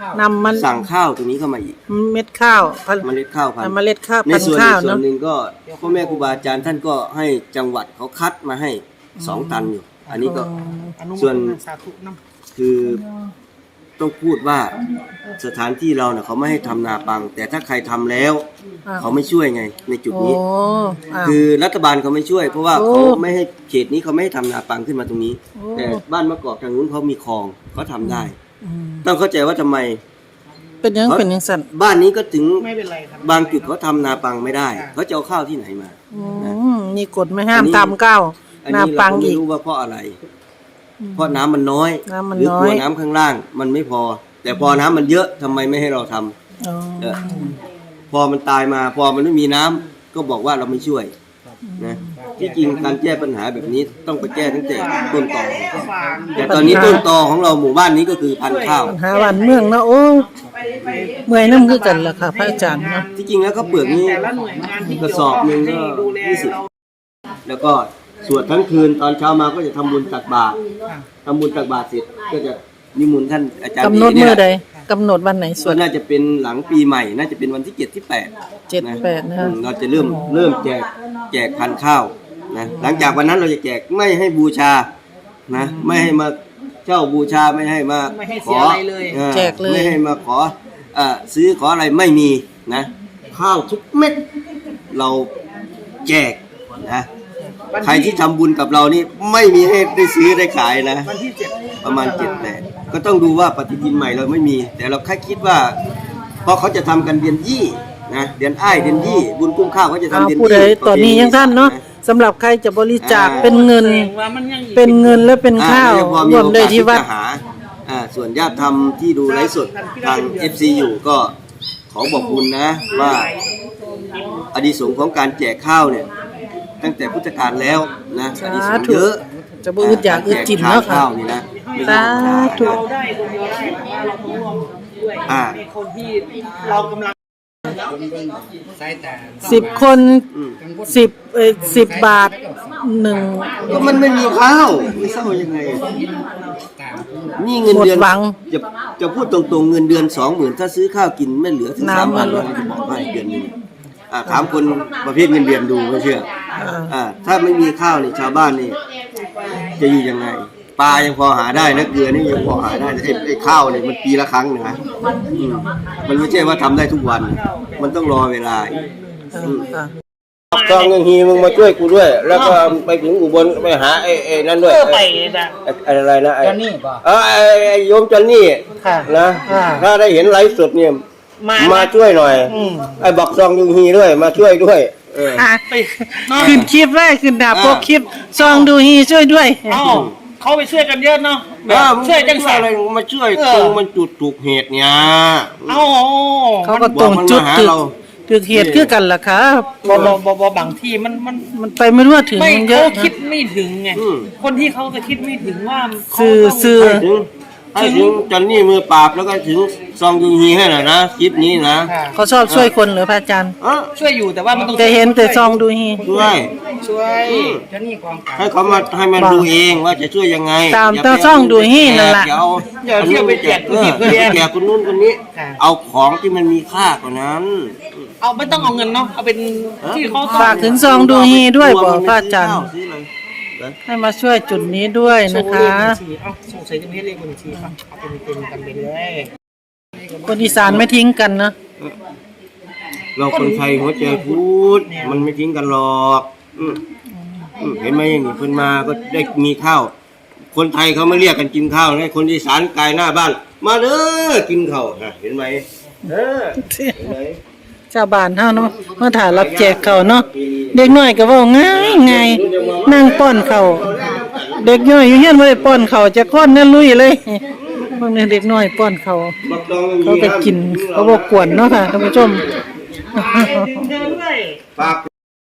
[SPEAKER 1] ำมัน
[SPEAKER 6] สั่งข้าวตรงนี้เข้ามาอีก
[SPEAKER 1] เม็ดข้าวพัน
[SPEAKER 6] เมล็ดข้าวพันธุ์
[SPEAKER 1] เมล็ดข้าว
[SPEAKER 6] ใน
[SPEAKER 1] พัน
[SPEAKER 6] ส่วน
[SPEAKER 1] ธุ์ข้าว
[SPEAKER 6] อีกส่ว
[SPEAKER 1] เนาะ
[SPEAKER 6] นหนึ่งก็พ่อแม่ครูบาอาจารย์ท่านก็ให้จังหวัดเขาคัดมาให้สองตันอยู่ อันนี้ก็
[SPEAKER 2] อนุโมท
[SPEAKER 6] ส่วน
[SPEAKER 2] นาสาธุนำ
[SPEAKER 6] คือต้องพูดว่าสถานที่เราเนี่ยเขาไม่ให้ทำนาปัง แต่ถ้าใครทำแล้ว
[SPEAKER 1] อ่า
[SPEAKER 6] เขาไม่ช่วยไงในจุด
[SPEAKER 1] โอ้
[SPEAKER 6] นี้
[SPEAKER 1] อ้าว
[SPEAKER 6] คือรัฐบาลเขาไม่ช่วย เพราะว่า
[SPEAKER 1] โอ้
[SPEAKER 6] เขาไม่ให้เขตนี้เขาไม่ให้ทำนาปังขึ้นมาตรงนี้
[SPEAKER 1] โอ้
[SPEAKER 6] แต่บ้านมะกอกทางนู้นเขามีคลองเขาทำได้
[SPEAKER 1] อืม
[SPEAKER 6] ต้องเข้าใจว่าทำไม
[SPEAKER 1] เป็นยังเป็นยังสั่น
[SPEAKER 6] บ้านนี้ก็ถึง
[SPEAKER 2] ไม่เป็นไรครับ
[SPEAKER 6] บางจุดเขาทำนาปังไม่ได้เขาจะเอาข้าวที่ไหนมา
[SPEAKER 1] อืมมีกฎไม่ห้าม
[SPEAKER 6] อันนี้
[SPEAKER 1] ทำก้าว
[SPEAKER 6] อัน
[SPEAKER 1] นา
[SPEAKER 6] นี้เรา
[SPEAKER 1] ปัง
[SPEAKER 6] ก็ไม่
[SPEAKER 1] อีก
[SPEAKER 6] รู้ว่าเพราะอะไร เพราะน้ำมันน้อย
[SPEAKER 1] น้ำมัน
[SPEAKER 6] หรือ
[SPEAKER 1] น้อย
[SPEAKER 6] กลัวน้ำข้างล่างมันไม่พอ แต่พอน้ำมันเยอะทำไมไม่ให้เราทำ
[SPEAKER 1] อ๋อ
[SPEAKER 6] เออพอมันตายมา พอมันไม่มีน้ำก็บอกว่าเราไม่ช่วยนะที่จริงการแก้ปัญหาแบบนี้ต้องไปแก้ตั้งแต่ต้นตอแต่ตอนนี้ต้นตอของเราหมู่บ้านนี้ก็คือพันธุ์ข้าว
[SPEAKER 1] ปัญหาวันเมืองเนาะโอ้เมื่อยน้ำคือกันล่ะค่ะพระอาจารย์เนาะ
[SPEAKER 6] ที่จริงแล้วข้าวเปลือกนี้
[SPEAKER 2] แต่ละหน่วยงานที่
[SPEAKER 6] กระสอบหนึ่งก็
[SPEAKER 2] ดูแล
[SPEAKER 6] ยี่สิบ
[SPEAKER 2] เรา
[SPEAKER 6] แล้วก็สวดทั้งคืนตอนเช้ามาก็จะทำบุญตักบาตรทำบุญตักบาตรเสร็จก็จะนิมนต์ท่านอาจารย์
[SPEAKER 1] กำหนด
[SPEAKER 6] นี่
[SPEAKER 1] เมื่อ
[SPEAKER 6] แห
[SPEAKER 1] ใด
[SPEAKER 6] ละ
[SPEAKER 1] กำหนดวันไหนส
[SPEAKER 6] ส่ว
[SPEAKER 1] วด
[SPEAKER 6] นน่าจะเป็นหลังปีใหม่ น่าจะเป็นวันที่เจ็ดที่แปด
[SPEAKER 1] เจ็ดแปดนะคะ
[SPEAKER 6] เราจะเริ่มเริ่มแจกแจกพันธุ์ข้าวนะหลังจากวันนั้นเราจะแจกไม่ให้บูชานะไม่ให้มาเช่าบูชาไม่ให้มา
[SPEAKER 2] ไม่ให้
[SPEAKER 6] ข
[SPEAKER 2] เสี
[SPEAKER 6] อย
[SPEAKER 2] อะไรเลย
[SPEAKER 6] ออ
[SPEAKER 1] แจกเลย
[SPEAKER 6] ไม่ให้มาขอเอ่อซื้อขออะไรไม่มีนะ ข้าวทุกเม็ดเราแจกนะใครที่ทำบุญกับเรานี่ไม่มีให้ได้ซื้อได้ขายนะ
[SPEAKER 2] วันที่เจ็ด
[SPEAKER 6] ประมาณเจ็ดแปดก็ต้องดูว่าปฏิทินใหม่เราไม่มี แต่เราแค่คิดว่าเพราะเขาจะทำกันเดือนยี่นะเดือนอ้ายเดือนยี่บุญกุ้งข้าวเขาจะทำ
[SPEAKER 1] เอา
[SPEAKER 6] เดือน
[SPEAKER 1] ผู้ใด
[SPEAKER 6] ยี่
[SPEAKER 1] ตอนนี้ยังท่านเนาะสำหรับใครจะบริจาคเป็นเงิน
[SPEAKER 2] แสดงว่ามันยังอีก
[SPEAKER 1] เป็นเงินและเป็น
[SPEAKER 6] อ่
[SPEAKER 1] ข้าว
[SPEAKER 6] แล้วพอ
[SPEAKER 1] ร
[SPEAKER 6] มี
[SPEAKER 1] วม
[SPEAKER 6] โอกา
[SPEAKER 1] ได้
[SPEAKER 6] ส
[SPEAKER 1] ที่วัด
[SPEAKER 6] จะหาอ่าส่วนญาติธรรมที่ดูไลฟ์สดทาง เอฟ ซี อยู่ก็ขอบอกบุญนะว่าอดีสงส์ของการแจกข้าวเนี่ยตั้งแต่พุทธกาลแล้วนะอดีสงส์เยอะ
[SPEAKER 1] จะบ่อึดอยากอึดจิน
[SPEAKER 6] แจก
[SPEAKER 1] เนาะค่ะ
[SPEAKER 6] ข้าวนี่นะไม่ใช่
[SPEAKER 1] สา
[SPEAKER 6] ธรรมดา
[SPEAKER 1] ธุ
[SPEAKER 2] เราได้คนเดียวได้แต่ว่าเราต้องร่วมด้วย
[SPEAKER 6] อ่า
[SPEAKER 2] ในคนที่เรากำลัง
[SPEAKER 3] สายตา
[SPEAKER 1] สิบคน
[SPEAKER 6] อืม
[SPEAKER 1] สิบเอ่อสิบบาทหนึ่ง
[SPEAKER 6] ก็มันไม่มีข้าวไม่เศร้ายังไง นี่เงินเดือน
[SPEAKER 1] หมดหวัง
[SPEAKER 6] จะจะพูดตรงๆเงินเดือนสองหมื่นถ้าซื้อข้าวกินไม่เหลือถึงสาม
[SPEAKER 1] น้ำ
[SPEAKER 6] พั
[SPEAKER 1] มัน นล
[SPEAKER 6] เรา
[SPEAKER 1] ด
[SPEAKER 6] จะบอกให้เดือนหนึงอ่าถามคนประเภทเงินเดือนดูไม่เชื่อ
[SPEAKER 1] อ่า
[SPEAKER 6] อ่าถ้าไม่มีข้าวนี่ชาวบ้านนี่จะอยู่ยังไงปลายังพอหาได้นะเกลือนี่ยังพอหาได้ไอ้ไอ้ข้าวเนี่ยมันปีละครั้งนะอืมมันไม่ใช่ว่าทำได้ทุกวัน มันต้องรอเวลาอีก
[SPEAKER 1] ค่ะ
[SPEAKER 7] ซองยังฮีมึงมาช่วยกูด้วย แล้วก็ไปถึงอุบลไปหาไอ้ไอ้นั่นด้วย
[SPEAKER 2] เพื่อไปนะ
[SPEAKER 7] ไอ้ไอ้อะไรนะไอ้
[SPEAKER 3] ตอนนี้ป่ะ
[SPEAKER 7] เออไอ้ไอ้โยมจันนี่
[SPEAKER 2] ค่ะ
[SPEAKER 7] นะ
[SPEAKER 2] อ่า
[SPEAKER 7] ถ้าได้เห็นไลฟ์สดเนี่ย
[SPEAKER 2] มา
[SPEAKER 7] มาช่วยหน่อย
[SPEAKER 2] อืม
[SPEAKER 7] ไอ้บอกซองยังฮีด้วยมาช่วยด้วยเออ
[SPEAKER 1] อ่ะ
[SPEAKER 2] ไปเนาะ
[SPEAKER 1] ขึ้นคลิปไว้ขึ้นดาบพวกคลิปซองดูฮีช่วยด้วย
[SPEAKER 2] เอ้าเขาไปช่วยกันเยอะเนาะแบ
[SPEAKER 7] เอบ อมึง
[SPEAKER 2] ช่วยจัง
[SPEAKER 7] ช่ว
[SPEAKER 2] สั
[SPEAKER 7] ย
[SPEAKER 2] น
[SPEAKER 7] อะไรมึงมาช่วย
[SPEAKER 2] เออ
[SPEAKER 7] ตรงมันจุดถูกเหตุเนี่ย
[SPEAKER 2] เอ้า
[SPEAKER 1] เขาก็ตรงจุด
[SPEAKER 7] บอกมันมาหา
[SPEAKER 1] ตึก
[SPEAKER 7] เรา
[SPEAKER 1] ตึกเหตุคือกันล่ะครับ
[SPEAKER 2] บอบอบอบอบางที่มันมัน
[SPEAKER 1] มันไปไม่รู้ว่าถึง
[SPEAKER 2] ไม่
[SPEAKER 1] มันเย
[SPEAKER 2] เขา
[SPEAKER 1] อะ
[SPEAKER 2] คิด
[SPEAKER 1] นะ
[SPEAKER 2] ไม่ถึงไง
[SPEAKER 7] อืม
[SPEAKER 2] คนที่เขาจะคิดไม่ถึงว่าเขา
[SPEAKER 1] สื่อ
[SPEAKER 2] ต้อง
[SPEAKER 1] สื่อ
[SPEAKER 7] ถึงให้ถึงจันนี่มือปราบแล้วก็ถึงซองยุงฮีให้หน่อยนะคลิปนี้นะ
[SPEAKER 2] ค่ะ
[SPEAKER 1] เขาชอบช่วยคนเหรือพระอาจารย์
[SPEAKER 7] เออ
[SPEAKER 2] ช่วยอยู่แต่ว่ามันต้อง
[SPEAKER 1] แต่เห็นแต่ซองดูฮี
[SPEAKER 7] ช่วย
[SPEAKER 2] ช่วย
[SPEAKER 3] เจ้านี่กองกลาง
[SPEAKER 7] ให้เขามาให้มันดูเองว่าจะช่วยยังไง
[SPEAKER 1] ตาม
[SPEAKER 7] ย่
[SPEAKER 1] ตา
[SPEAKER 7] ไป
[SPEAKER 1] ซ่องดูฮีนั่นล่ะ
[SPEAKER 7] อย่าเอา
[SPEAKER 2] อย่าเที่ยวไปแจก
[SPEAKER 7] เอ
[SPEAKER 2] คน
[SPEAKER 7] อ
[SPEAKER 2] ที่
[SPEAKER 7] อ
[SPEAKER 2] เพื่
[SPEAKER 7] ย่า
[SPEAKER 2] อน
[SPEAKER 7] ไปแจกคนนู้นคนนี้
[SPEAKER 2] ค่ะ
[SPEAKER 7] เอาของที่มันมีค่ากว่านั้น
[SPEAKER 2] เอาไม่ต้องเอาเงินเนาะเอาเป็นที่เขาต้อง
[SPEAKER 1] ฝากถึงซองดูฮีด้วย
[SPEAKER 7] กลั
[SPEAKER 1] บอ
[SPEAKER 7] มัน
[SPEAKER 1] ก
[SPEAKER 7] ไม่
[SPEAKER 1] พระอาจารย์
[SPEAKER 7] ซื้อข้วซื้ออะไรนะ
[SPEAKER 1] ให้มาช่วยจุดนี้ด้วย
[SPEAKER 2] โช
[SPEAKER 1] นะ
[SPEAKER 2] ว์
[SPEAKER 1] คะ
[SPEAKER 2] เลขบัญชีเอ้าสงสัยจะไม่ให้เลขบัญชีป่ะเอาเป็นเป็นกันไปเลย
[SPEAKER 1] คนอีสานไม่ทิ้งกันนะ
[SPEAKER 7] เราคนไทยหัวใจพูดมันไม่ทิ้งกันหรอกอืมอืมเห็นไหมอย่างนี้คนมาก็ได้มีข้าว คนไทยเขาไม่เรียกกันกินข้าวนะคนอีสานกายหน้าบ้าน มาเด้อกินข้าวนะเห็นไหมเออเห็นไหม
[SPEAKER 1] ชาวบ้านเฮาเนาะเมื่อถ่ายรับแจกเขาวเนาะเด็กน้อยก็เว้าง่ายง่ายนั่งป้อนเขาวเด็กน้อยอยู่เฮียนบ่ได้ป้อนเขาวจะก้อนนั่นลุยเลยพวกนี้เด็กน้อยป้อนเขาว
[SPEAKER 7] บักดอง
[SPEAKER 1] เขาก็กินเขาบ่กวนเนาะค่ะท่านผู้ชม
[SPEAKER 2] เดินด้วย
[SPEAKER 7] ฝาก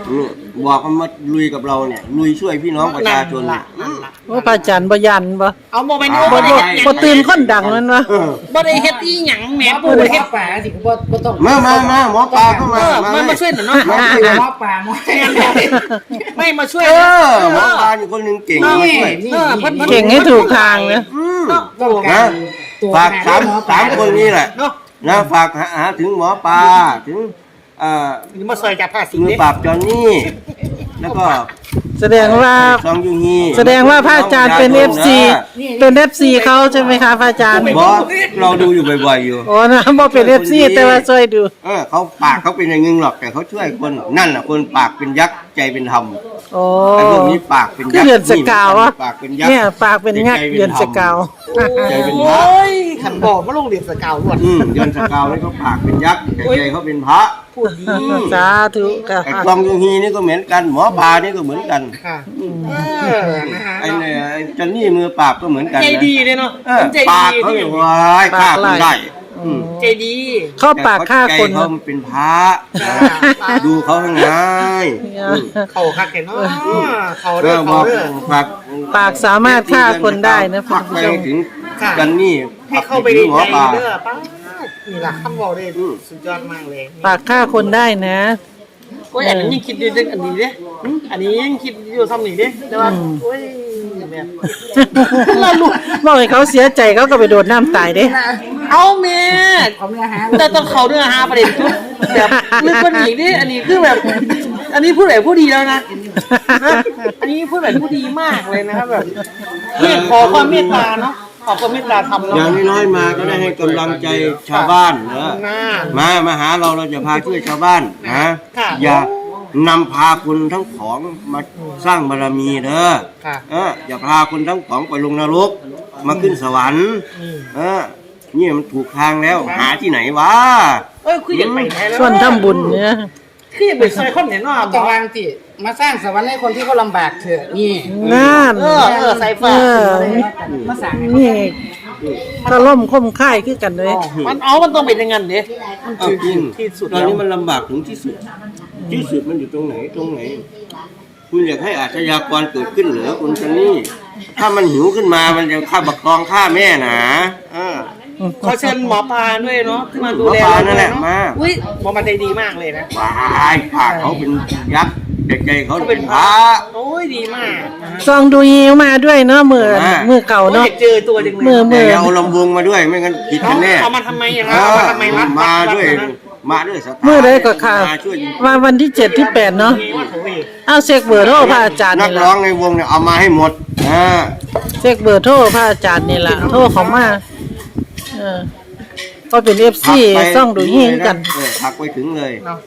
[SPEAKER 7] เนี่ยบอกมันมาลุยกับเราเนี่ยลุยช่วยพี่น้องประชาชน
[SPEAKER 2] นั่นล่ะนั่นล่ะ
[SPEAKER 1] ว่าพระอาจารย์บ่ยันบ่
[SPEAKER 2] เอาโมเมนต์
[SPEAKER 7] บ่
[SPEAKER 2] บ่
[SPEAKER 7] บ่
[SPEAKER 2] ได้
[SPEAKER 7] บ่
[SPEAKER 2] เฮ็ดหยัง
[SPEAKER 1] บ่ตื่นคนดังนั่นวะ
[SPEAKER 7] เออ
[SPEAKER 2] บ่ได้เฮ็ดอีหยังแหม
[SPEAKER 3] หมอ
[SPEAKER 2] บ่
[SPEAKER 3] ปู
[SPEAKER 2] ได้
[SPEAKER 3] หม
[SPEAKER 2] เฮ็
[SPEAKER 3] อ
[SPEAKER 2] ด
[SPEAKER 3] ป่าสิบ่บ่ต้อง
[SPEAKER 7] มามามาหมอปลาเข้า
[SPEAKER 2] เอ
[SPEAKER 7] มา
[SPEAKER 2] อ
[SPEAKER 7] มา
[SPEAKER 2] มันมาช่วยหน่อยเนาะ
[SPEAKER 3] หมอปูหมอป่าหมอ
[SPEAKER 2] ไม่มาช่วย
[SPEAKER 7] เอ
[SPEAKER 2] นะ
[SPEAKER 7] อหมอปลาอยู่คนหนึงเก่งมาช่วย
[SPEAKER 3] นี่
[SPEAKER 2] เออเพิ่นเพิ่น
[SPEAKER 1] เก่งให้ถูกทางนะ
[SPEAKER 7] อืม
[SPEAKER 3] ต้องกา
[SPEAKER 7] นะ
[SPEAKER 3] รตัว
[SPEAKER 7] ฝากสามสามคนนี้แหละ
[SPEAKER 2] เนาะ
[SPEAKER 7] นะฝากหาหาถึงหมอปลาถึงเอ่อ
[SPEAKER 2] นี่มาซอยจับผ้าสิง
[SPEAKER 7] มือ
[SPEAKER 2] เด้
[SPEAKER 7] ปราบจอนนี่แล้วก็
[SPEAKER 1] แสดงว่า
[SPEAKER 7] ซองยูฮี
[SPEAKER 1] แสดงว่าพระอาจารย์เป็น เอฟ ซี เป็น เอฟ ซี เขาใช่ไหมคะพระอาจารย์
[SPEAKER 7] บอสเราดูอยู่บ่อยๆอยู่
[SPEAKER 1] โอ้นะบ่เป็น เอฟ ซี แต่ว่าช่วยดู
[SPEAKER 7] เออเขาปากเขาเป็นอย่างนึงหรอกแต่เขาช่วยคนนั่นน่ะคนปากเป็นยักษ์ใจเป็นธรรม
[SPEAKER 1] โอ้
[SPEAKER 7] ไอ้พวกนี้ปากเป็น
[SPEAKER 1] คือ
[SPEAKER 7] ยักษ์
[SPEAKER 1] เดือนสกาวอะ
[SPEAKER 7] ปากเป็นยักษ์
[SPEAKER 1] เนี่ยปากเป็นงักเดือนสกาว
[SPEAKER 7] ใจเป็นพ
[SPEAKER 2] โอ้
[SPEAKER 7] ระ
[SPEAKER 2] ยขันบอกมาลงเรียนสกาวรวด
[SPEAKER 7] อืมเดือนสกาวนี่เขาปากเป็นยักษ์แต่ใจเขาเป็นพระ
[SPEAKER 2] พูดดี
[SPEAKER 1] สาธุค่ะ
[SPEAKER 7] ไอ้กองยูฮีนี่ก็เหมือนกันหมอปลานี่ก็เหมือนกัน
[SPEAKER 2] ค่ะเออนะฮะ
[SPEAKER 7] ไอ้เนี่ยไอ้จอนนี่มือปราบก็เหมือนกัน
[SPEAKER 2] ใจ
[SPEAKER 7] นะ
[SPEAKER 2] ดีเลยเนาะ
[SPEAKER 7] เออ
[SPEAKER 2] ใจ
[SPEAKER 7] ปาก
[SPEAKER 2] ดี
[SPEAKER 7] เขา
[SPEAKER 2] ที่
[SPEAKER 7] เนี่ยว้ายฆ่าคนได้อืม
[SPEAKER 2] ใจดี
[SPEAKER 1] เข้าปากฆ่าคน
[SPEAKER 7] แต่เขาเป็นพระดูเขาข้างในอืม
[SPEAKER 2] เขาคักแกเนาะเขา
[SPEAKER 7] เอ
[SPEAKER 2] เด้อ
[SPEAKER 7] อ
[SPEAKER 2] เขา
[SPEAKER 7] บอก
[SPEAKER 2] เด้อ
[SPEAKER 7] ฝาก
[SPEAKER 1] ปากสามารถฆ่าคนได้นะ
[SPEAKER 7] ฝากไปถึง
[SPEAKER 2] ค่ะ
[SPEAKER 7] กันนี่
[SPEAKER 2] ให้เข้าไป
[SPEAKER 7] ถึ
[SPEAKER 2] ใน
[SPEAKER 7] งหมอ
[SPEAKER 2] ใจ
[SPEAKER 7] ปลา
[SPEAKER 2] เด้อป้านี่ล่ะคำบอกได้สุดยอดมากเลย
[SPEAKER 1] ปากฆ่าคนได้นะ
[SPEAKER 2] โอ้ยอันนี้ยังคิดอยู่เรื่องอันนี้เด้อืมอันนี้ยังคิดอยู่ซ้ำนี่เด้แต่ว่าโอ้ยแบบ
[SPEAKER 1] เราลูกบอกให้เขาเสียใจเขาก็ไปโดดน้ำตายเด้
[SPEAKER 2] เอาแม่
[SPEAKER 3] เขาไม่หา
[SPEAKER 2] แต่ต้องเขาเนื้อหาประเด็นทุกแบบลึกกว่านี้ดิอันนี้คือแบบ อันนี้พูดแบบผู้ดีแล้วนะฮะอันนี้พูดแบบผู้ดีมากเลยนะครับแบบเนี่ยขอความเมตตาเนาะขอความเมตตาทำ
[SPEAKER 7] อ
[SPEAKER 2] เนาะ
[SPEAKER 7] ย่างน้อยๆมาก็ได้ให้กำลังใจชาวบ้านเนอะ
[SPEAKER 2] น่า
[SPEAKER 7] มามาหาเราเราจะพาช่วยชาวบ้านนะ
[SPEAKER 2] ค่ะ
[SPEAKER 7] อย่านำพาคุณทั้งของมาสร้างบารมีเด้อ
[SPEAKER 2] ค่ะ
[SPEAKER 7] เอออย่าพาคุณทั้งของไปลงนรกมาขึ้นสวรรค์
[SPEAKER 2] อืม
[SPEAKER 7] เออนี่มันถูกทางแล้วหาที่ไหนวะ
[SPEAKER 2] เอ้ยคืออยากไปไหนแล้ว
[SPEAKER 1] ส่วนทำบุญเนี่ย
[SPEAKER 2] คืออยากไปซอยคนเนี่ยเนาะ
[SPEAKER 3] ต้องวางที่มาสร้างสวรรค์ให้คนที่เขาลำบากเถอะนี่
[SPEAKER 1] นั่น
[SPEAKER 2] เออเออใส่
[SPEAKER 1] เอ
[SPEAKER 2] ฟ้า
[SPEAKER 1] อ
[SPEAKER 3] มาสร้างให้
[SPEAKER 1] นี่ถ้าล่มคมค่ายคือกันเลย
[SPEAKER 2] มันเอามันต้องเป็นอย่างนั้นเด้มัน
[SPEAKER 7] เอา
[SPEAKER 2] คือ
[SPEAKER 7] จริง
[SPEAKER 2] ที่สุด
[SPEAKER 7] ตอน
[SPEAKER 2] แล้ว
[SPEAKER 7] นี้มันลำบากถึงที่สุด ที่สุดมันอยู่ตรงไหนตรงไหน คุณอยากให้อาชญากรเกิดขึ้นเหรอคุณซันนี่ ถ้ามันหิวขึ้นมามันจะฆ่าบักตองฆ่าแม่นะเออ
[SPEAKER 2] ขอเชิญหมอปลาด้วยเนาะที่มาดู
[SPEAKER 7] หมอ
[SPEAKER 2] แล
[SPEAKER 7] ปลา
[SPEAKER 2] เรา
[SPEAKER 7] นั่นแหละ
[SPEAKER 2] เนาะ
[SPEAKER 7] มา
[SPEAKER 2] อุ้ยหมอมันใจดีมากเลยนะ
[SPEAKER 7] ว้ายปากเขาเป็นยักษ์เด็กใจเขา
[SPEAKER 2] เขา
[SPEAKER 7] เป็
[SPEAKER 2] เป็น น
[SPEAKER 7] พ
[SPEAKER 2] พ
[SPEAKER 7] ระ
[SPEAKER 2] ระโอ้ยดีมากนะฮะ
[SPEAKER 1] ซองดูยิวมาด้วยเนาะมือ
[SPEAKER 7] อ่า
[SPEAKER 1] มือเก่า
[SPEAKER 2] โอ้ย
[SPEAKER 1] เนาะ
[SPEAKER 2] อยากเจอตัวจังเลย
[SPEAKER 1] มือ
[SPEAKER 7] แต่อย่าเอาลำวงมาด้วยไม่งั้นผิด
[SPEAKER 2] เขา
[SPEAKER 7] กันแน่
[SPEAKER 2] เอามาทำไมอย่าง
[SPEAKER 7] เอ
[SPEAKER 2] นั้นเอา
[SPEAKER 7] อ
[SPEAKER 2] มาทำไมรัด
[SPEAKER 7] มาด้วย
[SPEAKER 2] รันะ
[SPEAKER 7] มาด้วยสถาน
[SPEAKER 1] มือได้ก็ค่ะ
[SPEAKER 7] มาช่วย
[SPEAKER 1] ว่าวันที่เจ็ดที่แปดเนาะ
[SPEAKER 2] มีว่าเขาเอง
[SPEAKER 1] เอาเช็คเบอร์โทรพระอาจารย์
[SPEAKER 7] นัก
[SPEAKER 1] นี่
[SPEAKER 7] ร้อ
[SPEAKER 1] ละ
[SPEAKER 7] งในวงเนี่ยเอามาให้หมดอ่า
[SPEAKER 1] เช็คเบอร์โทรพระอาจารย์นี่ละโทรเขามาเออก็เป็นเอฟซี
[SPEAKER 7] ไป
[SPEAKER 1] ซ่องดูยิงกัน
[SPEAKER 7] เออพักไปถึงเลย
[SPEAKER 2] เนาะ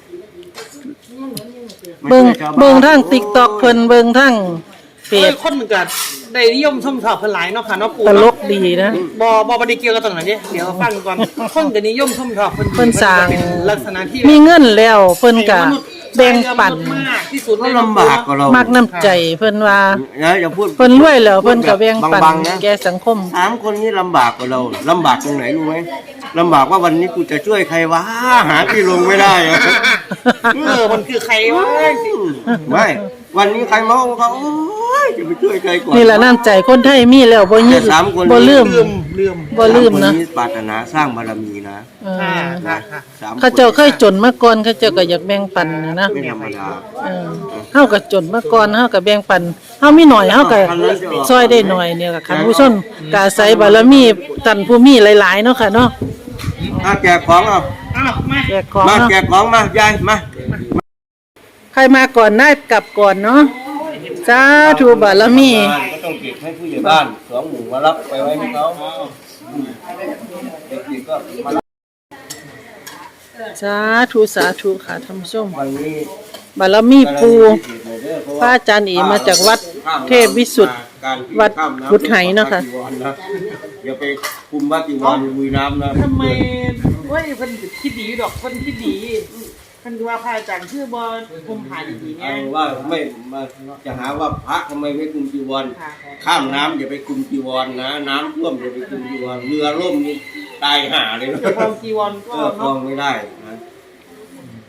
[SPEAKER 1] เบิ่ง
[SPEAKER 7] มาช่วยชาวาน
[SPEAKER 1] เบิ่งทั้ง TikTok เพิ่นเบิ่งทั้งเพ
[SPEAKER 2] เอ้ย
[SPEAKER 1] จ
[SPEAKER 2] คนมันเกิดได้นิยมชมชอบเพิ่นหลายเนาะค่ะเนาะปู่
[SPEAKER 1] ตล
[SPEAKER 2] เนาะ
[SPEAKER 1] กดีนะ
[SPEAKER 2] บอบอบไดีเกี่ยวกับตรงไหนเนี่ยเดี๋ยวฟังก่อนคนก็นิยมชมชอบเพิ่น
[SPEAKER 1] เพิ่นสร้าง
[SPEAKER 2] เป็นลักษณะที่
[SPEAKER 1] มีเงินแล้วเพิ่นก็
[SPEAKER 2] มนุษย์
[SPEAKER 1] แบ่งปัน
[SPEAKER 2] มากที่สุด
[SPEAKER 7] ก็
[SPEAKER 2] ใน
[SPEAKER 7] ลำบากกว่าเรา
[SPEAKER 1] มักน้ำใจเพิ่นว่า
[SPEAKER 7] นะอย่าพูด
[SPEAKER 1] เพิ่นรวยแล้วเพิ่นก็แบ่งปัน
[SPEAKER 7] บางๆนะ
[SPEAKER 1] แก่สังคม
[SPEAKER 7] สามคนนี้ลำบากกว่าเราลำบากตรงไหนรู้ไหมลำบากว่าวันนี้กูจะช่วยใครวะหาที่ลงไม่ได้อะ
[SPEAKER 2] เออมันคือใครวะ
[SPEAKER 7] ไม่วันนี้ใครมาเขาโอ้ยจะไปช่วยใครก่อน
[SPEAKER 1] นี่แหละน้ำใจคนไทยมีแล้วบ่ยึด
[SPEAKER 7] แต่สามคน
[SPEAKER 1] บ่ลืม
[SPEAKER 2] ลืมลืม
[SPEAKER 1] บ่ลืมนะ
[SPEAKER 7] สาคปรารถนาสร้างบารมีนะ
[SPEAKER 1] เออ
[SPEAKER 2] ค่ะค่ะค่ะ
[SPEAKER 7] สาม
[SPEAKER 1] เขาเจ้าเคยจนมาก่อนเขาเจ้าก็อยากแบ่งปันนะนะ
[SPEAKER 7] ไม่ธรรมดา
[SPEAKER 1] เออเฮาก็จนมาก่อนเฮาก็แบ่งปันเฮามีหน่อยเฮาก็ช่วยได้หน่อยเนี่ยล่ะค่ะผู้ชมก็อาศัยบารมีท่านผู้มีหลายๆเนาะค่ะเนาะ
[SPEAKER 7] อ่ะแจกของเอา
[SPEAKER 2] อ้าวมา
[SPEAKER 1] แจกของ
[SPEAKER 7] มา
[SPEAKER 1] เนาะ
[SPEAKER 7] แจกของมายายมา
[SPEAKER 1] ใครมาก่อนได้กลับก่อนเนาะสาธุบารมี
[SPEAKER 7] ก็ต้องเก็บให้ผู้ใหญ่บ้านสองหมู่มารับไปไว้ให้เขาอืมเด็กๆก็มารับ
[SPEAKER 1] สาธุสาธุค่ะท่านผู้ชม
[SPEAKER 7] วันนี้
[SPEAKER 1] บารมีปู
[SPEAKER 7] พิเศษหน่อยเด้อเพ
[SPEAKER 1] พระอาจารย์เอมาจากวัดเทพวิสุทธิ์
[SPEAKER 7] การ
[SPEAKER 1] วัดพุทธไหเนาะค่ะ
[SPEAKER 7] อย่าไปคุมวัดจีวรในบุยน้ำนะ
[SPEAKER 2] ทำไมเว้ยเพิ่นคิดดีดอกเพิ่นคิดดีเพิ่นว่าพระอาจารย์ชื่อบอลคุมหาดีๆไง
[SPEAKER 7] เอาว่าไม่มาจะหาว่าพระทำไมไม่คุมจีวร
[SPEAKER 2] ค่ะ
[SPEAKER 7] ข้ามน้ำอย่าไปคุมจีวรนะ น้ำท่วมอย่าไปคุมจีวรเรือล่มนี่ตายห่าเลยนะ
[SPEAKER 2] เดี๋ยวพองจีวรก็
[SPEAKER 7] ก็คลอ
[SPEAKER 2] เนาะ
[SPEAKER 7] งไม่ได้นะ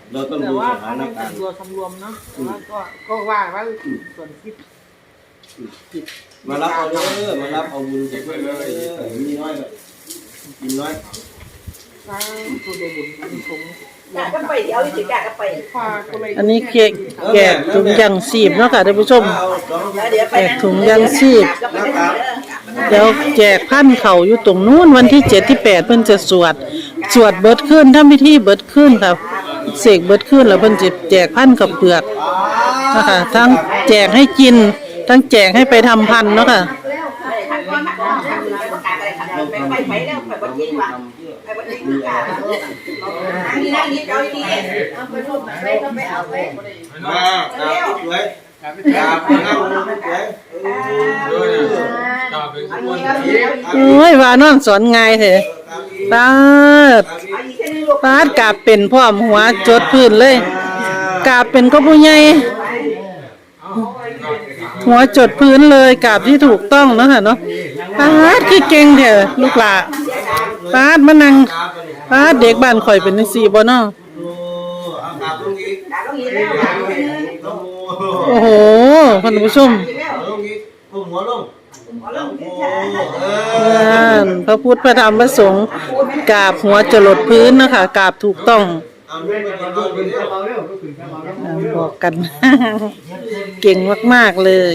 [SPEAKER 7] เราต้อง
[SPEAKER 2] แต่
[SPEAKER 7] ดู
[SPEAKER 2] ว่า
[SPEAKER 7] สถาน
[SPEAKER 2] มัน
[SPEAKER 7] กา
[SPEAKER 2] เป็
[SPEAKER 7] ร
[SPEAKER 2] น
[SPEAKER 7] ณ์
[SPEAKER 2] ตัวสำรวมเนาะแต่ว่าก็ก็ว่าว่าส่วนที่ผิด
[SPEAKER 7] มารับเอาเด้อมารับเอาบุญจากเพื่อนเลยมีน้อยก็กินน้อย
[SPEAKER 2] สร้างตัวเดบุญอันนี้ผม
[SPEAKER 4] กะก็ไปเดี๋ยวเอาสิกะก็ไป
[SPEAKER 2] พาก็เลย
[SPEAKER 1] อันนี้เค้กแกะถุงยางชีพเนาะค่ะท่านผู้ชม
[SPEAKER 7] เอาสอง
[SPEAKER 4] เดี๋ยวไป
[SPEAKER 1] แจกถุงยางชีพ
[SPEAKER 7] นะครับ
[SPEAKER 1] เดี๋ยวแจกพันเข่าอยู่ตรงนู้นวันที่เจ็ดที่แปดเพิ่นจะสวด สวดเบิดขึ้นทำพิธีเบิดขึ้นครับเสกเบิดขึ้นแล้วเพิ่นจะแจกพันกับเปลือกนะคะทั้งแจกให้กิน ทั้งแจกให้ไปทำพันเนาะค่ะ
[SPEAKER 4] ไปไปแล้วไปวันที่ว่ะไปวันที่กะนี่นั่งนี่เอาดีเอาไปรูปไปก็ไปเอาไป
[SPEAKER 7] มากราบสวยกราบนั่งสวย
[SPEAKER 5] ตาเป็นคน
[SPEAKER 1] โอ้ยว่านอนสอนง่ายแท้ปาดปาดกราบเป็นพร้อมหัวจดพื้นเลยกราบเป็นก็ผู้ใหญ่หัวจดพื้นเลยกราบที่ถูกต้องเนาะค่ะเนาะปาดคือเก่งแท้ลูกหลานปาดมานั่งปาดเด็กบ้านข่อยเป็นจังซี่บ่เนาะ
[SPEAKER 7] เอากราบลงอีก
[SPEAKER 4] กะต้องมีแล้ว
[SPEAKER 1] โอ้โหท่านผู้ชม
[SPEAKER 7] ลงอีกก้มหัวลงโอ้เออ
[SPEAKER 1] นั่นพระพุทธพระธรรมพระสงฆ์กราบหัวจรดพื้นนะคะกราบถูกต้อง
[SPEAKER 7] เอาลูกไปกินเอาไปเร็ว
[SPEAKER 1] อ่าบอกกัน เก่งมากๆเลย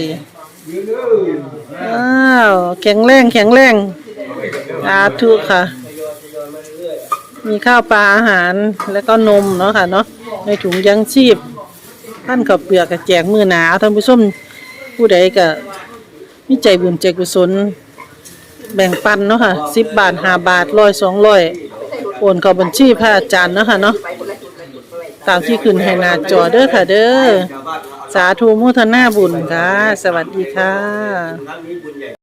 [SPEAKER 1] อ้าวแข็งแรงแข็งแรงสาธุค่ะ มีข้าวปลาอาหารแล้วก็นมเนาะค่ะเนาะในถุงยังชีพท่านกับเปลือกกับแจกมือหนาท่านผู้ชมผู้ใดก็มีใจบุญใจกุศลแบ่งปันเนาะค่ะสิบบาทห้าบาทร้อยสองร้อยโอนเข้าบัญชีพระอาจารย์เนาะค่ะเนาะตามที่ขึ้นให้หน้าจอเด้อค่ะเด้อสาธุโมทนาบุญค่ะ สวัสดีค่ะ
[SPEAKER 7] ครั้งนี้บุญ